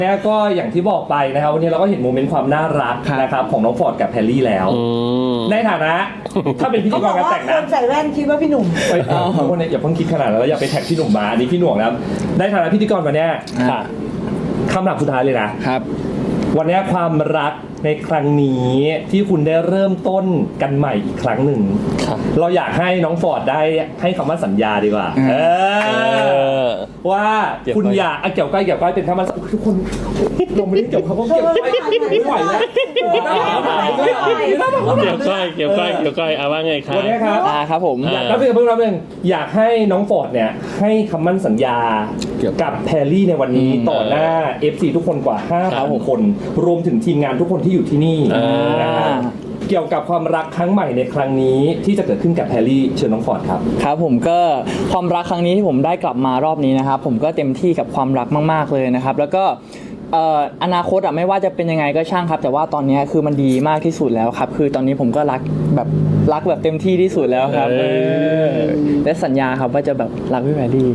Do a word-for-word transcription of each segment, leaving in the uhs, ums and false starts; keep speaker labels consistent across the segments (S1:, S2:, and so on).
S1: เนี่ยก็อย่างที่บอกไปนะครับวันนี้เราก็เห็นโมเมนต์ความน่ารักนะครับของน้องฟอร์ดกับแพรรี่แล้วในฐานะถ้าเป็นพิธีกรการแต่งนะ
S2: คนใส่แว่นคิดว่าพี่หนุ่ม
S1: ไปเอาคนเนี่ยอย่าเพิ่งคิดขนาดนั้นแล้วอย่าไปแท็กพี่หนุ่มมาอันนี้พี่หน่วงแล้วในฐานะพิธีกรวันนี้คำถามสุดท้ายเลยนะครับวันนี้ความรักในครั้งนี้ที่คุณได้เริ่มต้นกันใหม่อีกครั้งหนึ่งเราอยากให้น้องฟอร์ดได้ให้คำว่าสัญญาดีกว่าเออว่าคุณอยากเกี่ยวก้อยเกี่ยวก้อยเป็นคำว่าทุกคนลงไม่ได้เกี่ยวเขาเกี่ยวก้อยไม่ไหวแล้วเกี่ยว
S3: ก้อยเกี่ยวก้อยเกี่ยวก้อยเอาว่าไงครับ
S1: วันนี้ครับ
S4: อ่าครับผม
S1: อยากรับเรื่องรับเรื่องอยากให้น้องฟอร์ดเนี่ยให้คำมั่นสัญญากับแพรรี่ในวันนี้ต่อหน้า เอฟ ซี ทุกคนกว่าห้าพันคนรวมถึงทีมงานทุกคนที่อยู่ที่นี่นะครับเกี่ยวกับความรักครั้งใหม่ในครั้งนี้ที่จะเกิดขึ้นกับแพรรี่เชิญน้องฟอร์ดครับ
S4: ครับผมก็ความรักครั้งนี้ที่ผมได้กลับมารอบนี้นะครับผมก็เต็มที่กับความรักมากๆเลยนะครับแล้วก็อนาคตอะไม่ว่าจะเป็นยังไงก็ช่างครับแต่ว่าตอนนี้คือมันดีมากที่สุดแล้วครับคือตอนนี้ผมก็รักแบบรักแบบเต็มที่ที่สุดแล้วครับและสัญญาครับว่าจะแบบรักพี่แพรรี่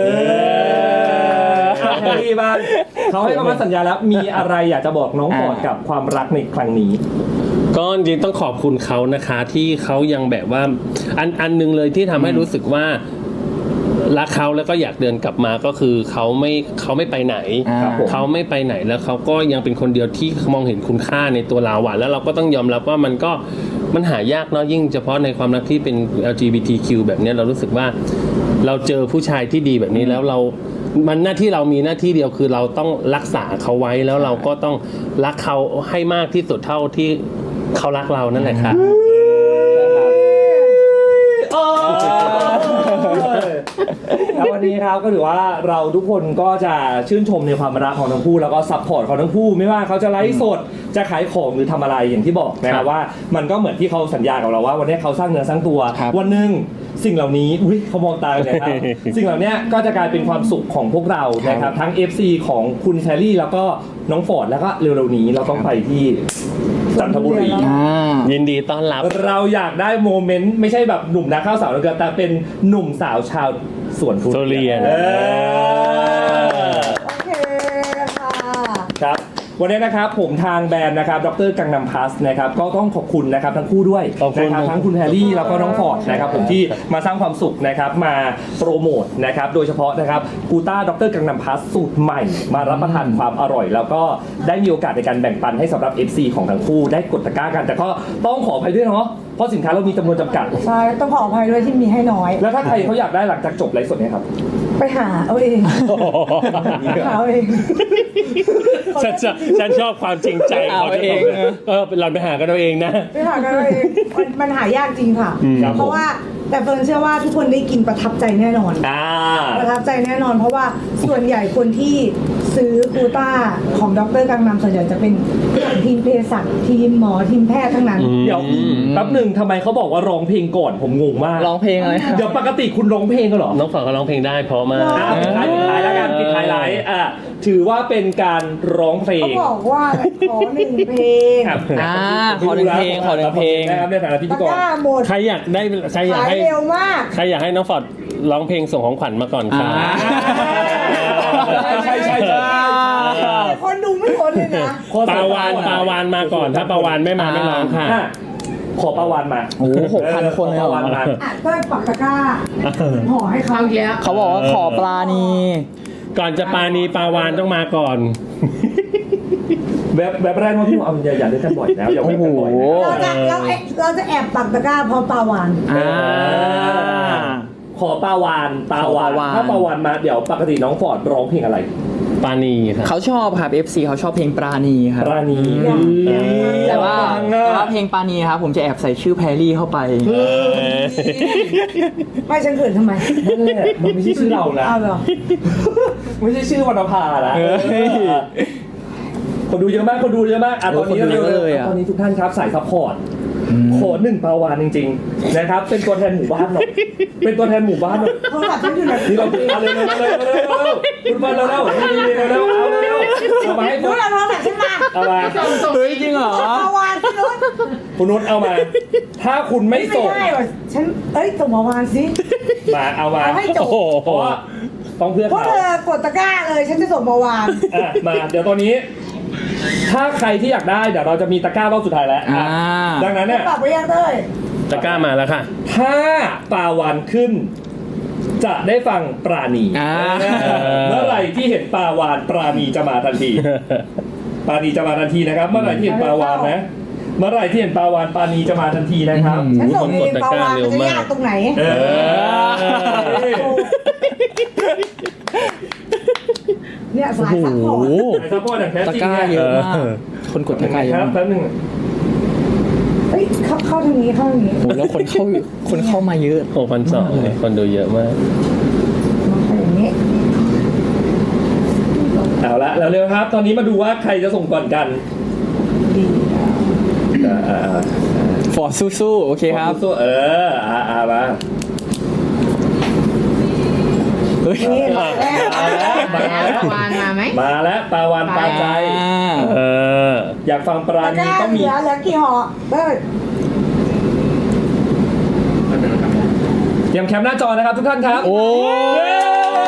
S1: แพรรี่บ้างเขาให้คำมั่นสัญญาแล้วมีอะไรอยากจะบอกน้องฟอร์ดกับความรักในครั้งนี้
S3: ก็จริงต้องขอบคุณเขานะคะที่เขายังแบบว่าอันอันนึงเลยที่ทำให้รู้สึกว่ารักเขาแล้วก็อยากเดินกลับมาก็คือเขาไม่เขาไม่ไปไหนเขาไม่ไปไหนแล้วเขาก็ยังเป็นคนเดียวที่มองเห็นคุณค่าในตัวเราอ่ะแล้วเราก็ต้องยอมรับว่ามันก็มันหายากเนาะยิ่งเฉพาะในความรักที่เป็น แอล จี บี ที คิว แบบนี้เรารู้สึกว่าเราเจอผู้ชายที่ดีแบบนี้แล้วเรามันหน้าที่เรามีหน้าที่เดียวคือเราต้องรักษาเขาไว้แล้วเราก็ต้องรักเขาให้มากที่สุดเท่าที่เขารักเรานั่นแหละครับ
S1: แล้ววันนี้ครับก็ถือว่าเราทุกคนก็จะชื่นชมในความรักของทั้งคู่แล้วก็ซัพพอร์ตของทั้งคู่ไม่ว่าเขาจะไลฟ์สดจะขายของหรือทำอะไรอย่างที่บอกนะครับว่ามันก็เหมือนที่เขาสัญญากับเราว่าวันนี้เขาสร้างเนื้อสร้างตัววันหนึ่งสิ่งเหล่านี้อุ้ยเขามองตาเลยครับสิ่งเหล่านี้ก็จะกลายเป็นความสุขของพวกเรานะครับทั้ง เอฟ ซี ของคุณแพรรี่แล้วก็น้องฟอร์ดแล้วก็เร็วๆนี้เราต้องไปที่จันทบุรี
S3: ยินดีต้อนรับ
S1: เราอยากได้โมเมนต์ไม่ใช่แบบหนุ่มนักข้าวสาวแต่เป็นหนุ่มสาวชาวสวนทุ
S3: เรียน
S2: โอเคค่ะ
S1: ครับวันนี้นะครับผมทางแบรนด์นะครับดร.กังนัมพลัสนะครับก็ต้องขอบคุณนะครับทั้งคู่ด้วยนะครับทั้งคุณแพรรี่แล้วก็น้องฟอร์ดนะครับผมที่มาสร้างความสุขนะครับมาโปรโมทนะครับโดยเฉพาะนะครับกูต้าดร.กังนัมพลัสสูตรใหม่มารับประทานความอร่อยแล้วก็ได้มีโอกาสในการแบ่งปันให้สำหรับ เอฟ ซี ของทั้งคู่ได้กดตะกร้ากันแต่ก็ต้องขออภัยด้วยเนาะเพราะสินค้าเรามีจำนวนจำกัด
S2: ใช่ต้องขออภัยด้วยที่มีให้น้อย
S1: แล้วถ้าใครเขาอยากได้หลังจากจบไลฟ์สดเนี่ยครับ
S2: ไปหาเอาเองหาเอาเอง
S3: ฉันชอบฉันชอบความจริงใจ
S4: เอาเอง
S3: เออเราไปหากันเอาเองนะ
S2: ไปหากันเอาเองมันหายากจริงค่ะเพราะว่าแต่เฟิร์นเชื่อว่าทุกคนได้กินประทับใจแน่นอนประทับใจแน่นอนเพราะว่าส่วนใหญ่คนที่ซื้อกูต้าของดร.กังนัมส่วนใหญ่จะเป็นทีมเภสัชทีมหมอทีมแพทย์ทั้งนั้น
S1: เดี๋ยวแป๊บหนึ่งทำไมเขาบอกว่าร้องเพลงก่อนผมงงมาก
S4: ร้องเพลงอะไร
S1: เดี๋ยวปกติคุณร้องเพลงกันเหรอ
S3: น้องฝนเขาร้องเพลงได้เพราะมาก
S1: ปิดท้ายปิดท้ายแล้วกันปิดท้ายไลฟ์อ่ะถือว่าเป็นการร้องเพลง
S2: เขาบอกว่าขอหนึ่งเพลง
S4: อ่าขอหนึ่งเพลงขอหนึ่งเพลง
S1: นะครับในฐานะพิธีกร
S3: ใครอยากได้ใครอยากให้
S2: เร็วมาก
S3: ใครอยากให้น้องฟอร์ดร้องเพลงส่งของขวัญมาก่อนค่ะ
S1: ใช่ใช่ใช่ใช่
S2: คนดูไม่ทนเลยนะ
S3: ปาวานปาวานมาก่อนถ้าปาวานไม่มาไม่ร้องค่ะ
S1: ขอปาวานมา
S4: โอ้หกพันคนเลย
S1: ปาวานมา
S2: ก็ปักตะกร้าห่อให้เขาเยอะ
S4: เขาบอกว่าขอปลานี
S3: ก่อนจะปลานีปาวานต้องมาก่อน
S1: แบบแบบแรกว่าพี่เอาอย่าอย่าเล่นกันบ่อยแล้วอย่าเล่นกันบ่อย
S2: เราจะเราเราจะแอบปักตะกร้าเพราะปาวาน
S1: ขอปาวานปาวานถ้าปาวานมาเดี๋ยวปกติน้องฟอร์ดร้องเพลงอะไร
S3: ปราณีครับ
S4: เขาชอบครับ เอฟ ซี เขาชอบเพลงปราณีครับ
S1: ปราณี
S4: แต่ว่าแต่ว่าเพลงปราณีครับผมจะแอบใส่ชื่อแพรรี่เข้าไป
S2: ไม่ฉันเขินทำไม
S1: นั่นแหละมันไม่ใช่ชื่อเรานะไม่ใช่ชื่อวรรณภานะคนดูเยอะมากคนดูเยอะมากอ่ะตอนนี้เร็วเลยตอนนี้ทุกท่านครับสายซัพพอร์ตขอหนึ่งปาวานจริงๆนะครับเป็นตัวแทนหมู่บ้านหน่อยเป็นตัวแทนหมู่บ้านหน่อย
S2: เขาหลับฉันอยู่ไหน
S1: นี่เราเอาเลยเร็วเร็วเร็วเร็วคุณมาเร็วเร็วนี่เร็วเร็วเอาเร็วเอามาให้
S2: คุณเอาโทรศัพท์ฉันมา
S1: เอามา
S4: เฮ้ยจริงเหรอ
S2: ปาวานคุณนุช
S1: คุณนุชเอามาถ้าคุณไม่ส่ง
S2: ไม่ได้ฉันเอ้ยส่งปาวานสิ
S1: มาเอามา
S2: เอาให้จบ
S1: เพราะว่าต้องเพื่อ
S2: พวก
S1: เขา
S2: เธอกดตะกร้าเลยฉันจะส่งมาวาง
S1: อ่ะมาเดี๋ยวตอนนี้ ถ้าใครที่อยากได้เดี๋ยวเราจะมีตะกร้ารอบสุดท้ายแล้ว
S4: อ่า
S1: ดังนั้นเนี่ย
S2: ปรับไปยังเต้ย
S3: ตะกร้ามาแล้วค่ะ
S1: ถ้าปลาวานขึ้น จะได้ฟังปราณี
S4: อ่า
S1: เมื่อไหร่ที่เห็นปลาวานปราณีจะมาทันที ปราณีจะมาทันทีนะครับ เมื่อไหร่ที่เห็นปลาวานนะ เมื่อไหร่ที่เห็นปลาวานปราณีจะมาทันทีนะครับ
S2: ฉันส่ง
S3: ก
S2: เอ
S3: ด
S2: ง
S3: ตะ
S2: ปาก
S3: ร้าว
S2: าน
S3: เร็
S2: มั
S3: วน
S2: จะ
S3: มาก
S2: ยากตรงไหน
S1: เออ
S2: เนี่ยสาย
S3: โอ้
S2: ซัพพ
S3: โห
S2: อร์ต
S1: ไอ้ซัพพอร์ตอย่างแท้
S4: ตะ
S1: จริง
S4: กร้า
S1: เนี่ย
S4: เยอะมาก คนกดตะกร้าเย
S1: ค
S4: อะ
S1: รับ
S4: มาก
S1: แป๊บนึง
S2: เฮ้ยเข้าเข้าทางนี้เข้าทางนี้
S4: โอ้โหแล้วคนเข้าคนเข้ามาเยอะ
S3: หกพันสองคนดูเยอะมาก
S2: มาเข้าอย่างนี้
S1: เอาละแล้วเร็วครับ ตอนนี้มาดูว่าใครจะส่งก่อนกัน
S2: ดี
S1: อ่าอ่าอ่า
S4: ฟอร์ดสู้ๆโอเคครับ
S1: สู้ๆเอออ่าอ่ามา
S4: เฮ้ย
S2: นี่มาแล้ว
S1: มาแล้วมาแล้ว
S5: วานมาไหม
S1: มาแล้วปลาวานปลาใจ
S4: อ่า
S3: เออ
S1: อยากฟังปรา
S2: ตะก
S1: ณี
S2: ร้า
S1: ต้อง
S2: เห
S1: มี
S2: ลือเหลือกี่ห่อเต้ย
S1: เตรียมแคปหน้าจอนะครับทุกท่านครับ
S4: โอ้
S1: เย้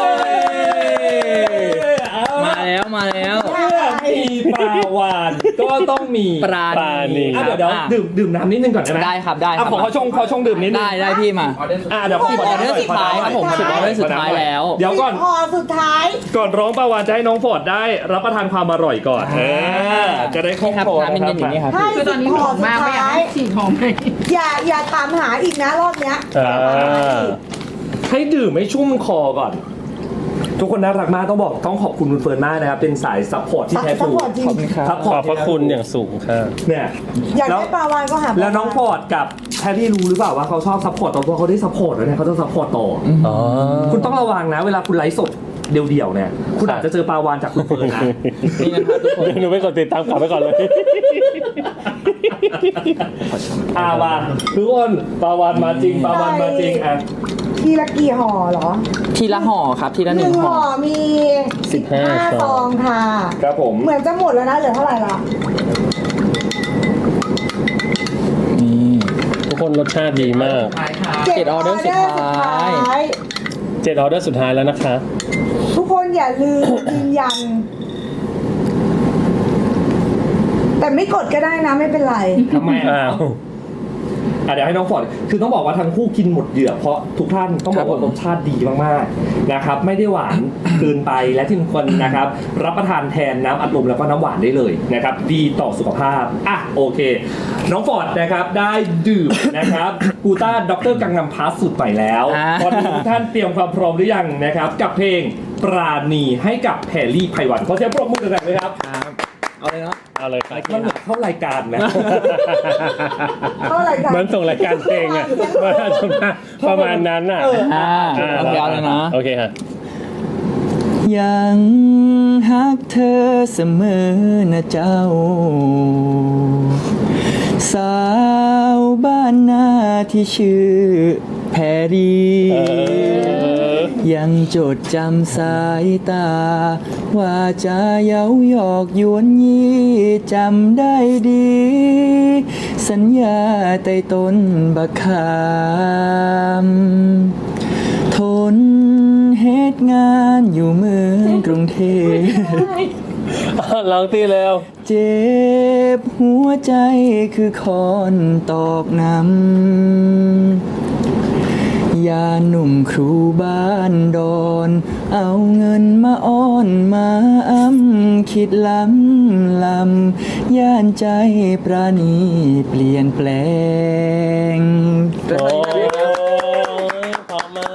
S1: เอา
S4: มา
S1: ละ
S4: แล้วมาแล้ว
S1: เมื่อมีปลาวานก็ต้องมี
S4: ปราณี
S3: ปราณี
S1: อ่ะเดี๋ยวเดี๋ยว
S4: อ่ะ
S1: ดื่มดื่มน้ำนิดนึงก่อนได้ไหม
S4: ได้ครับได้ค
S1: อ่ะ
S4: รับ
S1: ขอขอชงขอชงดื่มนิดนึง
S4: ได้ได้พี่มา
S1: อ่ะเดี๋ยว
S4: สิบออเดอร์สุดท้ายครับผมสิบออเดอร์สุดท้ายแล้ว
S1: เดี๋ยวก่อน
S2: ห่อสุดท้าย
S1: ก่อนร้องปลาวานจะให้น้องฟอร์ดได้รับประทานความอร่อยก่อนเออจะได้คล่อง
S4: นี่ครับ
S1: คอ
S4: น้ำ
S1: นะ
S4: เย็นๆอย่างนี้ครับ
S2: ให้
S5: คือตอนนี้
S2: ห่
S5: ห
S2: อ
S5: อม
S2: สุด
S5: มากไม่อยาก
S2: ท้าย
S5: ให้ฉีดหอมไหม
S2: อย่าอย่าถามหาอีกนะรอบเนี้ย
S3: อ่า
S1: ให้ดื่มให้ชุ่มคอก่อน ทุกคนน่ารักมากต้องบอกต้องขอบคุณคุณเฟิร์นมากนะครับ เป็นสายซัพพอร์ตที่แท้
S2: ซั
S1: ท
S2: พ
S1: รู
S2: พอร์ตจริง
S4: ขอบคุณครับ
S1: ซัพพ
S3: ข
S1: อร์
S3: อ
S1: ต
S3: บพระคุณอย่างสูงค่ะ
S1: เนี่ย
S2: อยาก
S1: แล้ว
S2: ได้ปลาวานก็หา
S1: แล้วน้องฟอร์ดกับแพรรี่รู้หรือเปล่าว่าเขาชอบซัพพอร์ตต่อตัวเขาได้ซัพพอร์ตแล้วเนี่ยเขาจะซัพพอร์ตต่ออ
S3: อ๋อ
S1: คุณต้องระวังนะ เวลาคุณไลฟ์สดเดี่ยวๆเนี่ย คุณอาจจะเจอปลาวานจากคุณเฟิร์นนะ
S4: นี่นะครับทุกคน
S3: เดี๋ยวหนูไปกดติดตามกลับไปก่อนเลย
S1: อ่ามาทุกคนปลาวานมาจริงปลาวานมาจริงอ่ะ
S2: ทีละกี่ห่อเหรอ
S4: ทีละห่อครับทีละ
S2: ห
S4: ห
S2: นึ่
S4: นึ่
S2: ง
S4: งห่
S2: ห่
S4: อ
S2: อมี
S3: สิบห้า
S2: ห้าซองค่ะ
S1: ครับผม
S2: เหมือนจะหมดแล้วนะเหลือเท่าไหร่ละ
S4: นี่
S3: ทุกคนรสชาติดีมาก
S4: เจ็ดออเดอร์สุดท้าย
S2: ย
S3: เจ็ดออเดอร์สุดท้ายแล้วนะคะ
S2: ทุกคนอย่าลืม ยืนยัน แต่ไม่กดก็ได้นะไม่เป็นไร
S1: ทำไมอ่ะ
S3: อ้าว
S1: อ่ะเดี๋ยวให้น้องฟอร์ดคือต้องบอกว่าทั้งคู่กินหมดเหยื่อเพราะทุกท่านต้องบอกว่ารสชาติดีมากๆนะครับ ไม่ได้หวานเกินไปและที่สำคัญนะครับ รับประทานแทนน้ำอัดลมแล้วก็น้ำหวานได้เลยนะครับ ดีต่อสุขภาพอ่ะโอเค น้องฟอร์ดนะครับได้ดื่มนะครับกูต้าด็อกเตอร์กังนำพาสสูตรใหม่แล้ว
S4: อ่า
S1: ตอนนี้ทุกท่านเตรียมความพร้อมหรือยังนะครับ กับเพลงปราณีให้กับแพรรี่ไพวันขอเสียงปรบมือแรงๆเลยครับ
S4: ครับเอาเลยเนาะ
S3: เอาเลยครับ
S1: มันเหมือนเข้ารายการนะ
S2: เท่าไหร่กัน
S3: มันส่งรายการเพลงอ่ะมันจะมาประมาณนั้นอ่ะ
S1: เออ
S4: อ่าโอเคเอาเลยนะ
S3: โอเคค่ะ
S4: ยังฮักเธอเสมอนะเจ้า สาวบ้านนาที่ชื่อแพรรี
S3: เออ
S4: ยังจดจำสายตา ว่าจะเย้าหยอกยวนยี่จำได้ดี สัญญาใต้ต้นบักขามทนเหตุงานอยู่เมืองกรุงเทพ
S3: ลองตีเร็ว
S4: เจ็บหัวใจคือคอนตอกน้ำยาหนุ่มครูบ้านดอน เอาเงินมาอ้อนมาอ้ำคิดล้ำลำย่านใจปราณีเปลี่ยนแปลง
S3: โอ้ยพร้อมมาก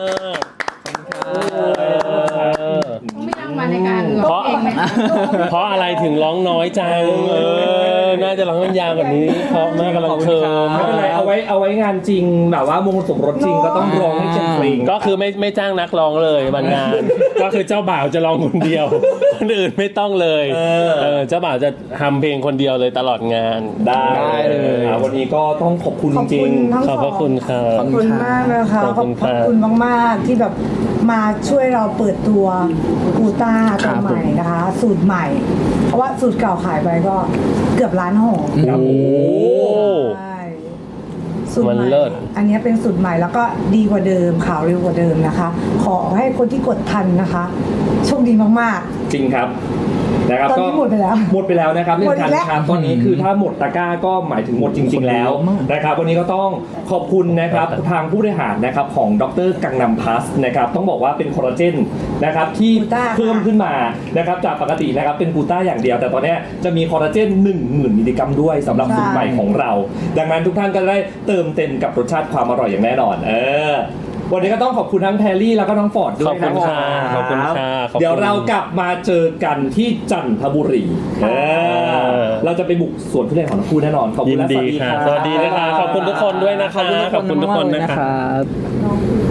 S5: ต้องไม่นั่งมาในการร้องเพลงไหม
S3: เพราะอะไรถึงร้องน้อยจัง เออ น่าจะร้องยาวกว่านี้ เพราะมากกำลังเคิม
S1: ไม่เป็นไรเอาไว้เอาไว้งานจริงแบบว่ามงคลสมรสจริงก็ต้องร้องให้เต็มเพลง
S3: ก็คือไม่ไม่จ้างนักร้องเลยบางงาน ก็คือเจ้าบ่าวจะร้องคนเดียว คนอื่นไม่ต้องเลย
S1: เออ
S3: เออเจ้าบ่าวจะทำเพลงคนเดียวเลยตลอดงาน
S1: ได้
S4: ได้เลย
S1: อ่ะวันนี้ก็ต้องขอบคุณ
S2: ขอบ
S1: จริ
S2: คุ
S1: ง
S2: ณทั้ง
S3: ขอบพระคุณครั
S2: ข
S3: บ
S2: อบคุณมากนะคะ
S3: ขอบคุณ
S2: ขอบ
S3: ครับ
S2: คุณมากๆที่แบบมาช่วยเราเปิดตัวกูต้า
S4: ครั
S2: ตัว
S4: บ
S2: ใหม่นะคะ สูตรใหม่ เพราะว่าสูตรเก่าขายไปก็เกือบล้านห่อ
S1: ครับ
S3: โอ้
S1: โอ้
S2: ใช่สูตร
S3: มัน
S2: ใหม่
S3: เลิศ
S2: อันนี้เป็นสูตรใหม่แล้วก็ดีกว่าเดิมขาวเร็วกว่าเดิมนะคะ ขอให้คนที่กดทันนะคะโชคดีมาก
S1: จริงครับนะครับ
S2: ตอนนี้หมดไปแล้ว
S1: หมดไปแล้วนะครับ
S2: หมดอี
S1: ทั
S2: กแล้ว
S1: ครับตอนนี้คือถ้าหมดตะกร้าก็หมายถึงหมดจริง ๆ แล้วนะครับวันนี้ก็ต้องขอบคุณนะครับทางผู้บริหารนะครับของดรกังนำพลัสนะครับต้องบอกว่าเป็นคอลลาเจนนะครับที่
S2: กูต้า
S1: เพิ่มขึ้นมานะครับจากปกตินะครับเป็นกลูต้าอย่างเดียว แต่ตอนนี้จะมีคอลลาเจนหนึ่งหมื่นมิลลิกรัมด้วยสำหรับสูตรใหม่ของเรา ดังนั้นทุกท่านก็ได้เติมเต็มกับรสชาติความอร่อยอย่างแน่นอนเออวันนี้ก็ต้องขอบคุณทั้งแพรรี่แล้วก็น้องฟอร์ดด้วย
S3: ขอบคุณค่ะ
S1: นะ
S3: ขอบคุณค่ะขอบคุณ
S1: เดี๋ยวเรากลับมาเจอกันที่จันทบุรีเออเราจะไปบุกสวนทุเรียนของทั้งคู่แน่นอนขอบคุ
S3: ยิ
S1: ณ
S3: น
S1: และส
S3: ดี
S1: วัสดี
S3: ค่ะ
S1: ครับ
S3: สวัสดีนะคะขอบคุณทุกคนด้วยนะคะ
S4: ขอบคุณทุกคนมากๆเลย
S3: นะ
S4: นะ
S3: คะ
S4: ครับ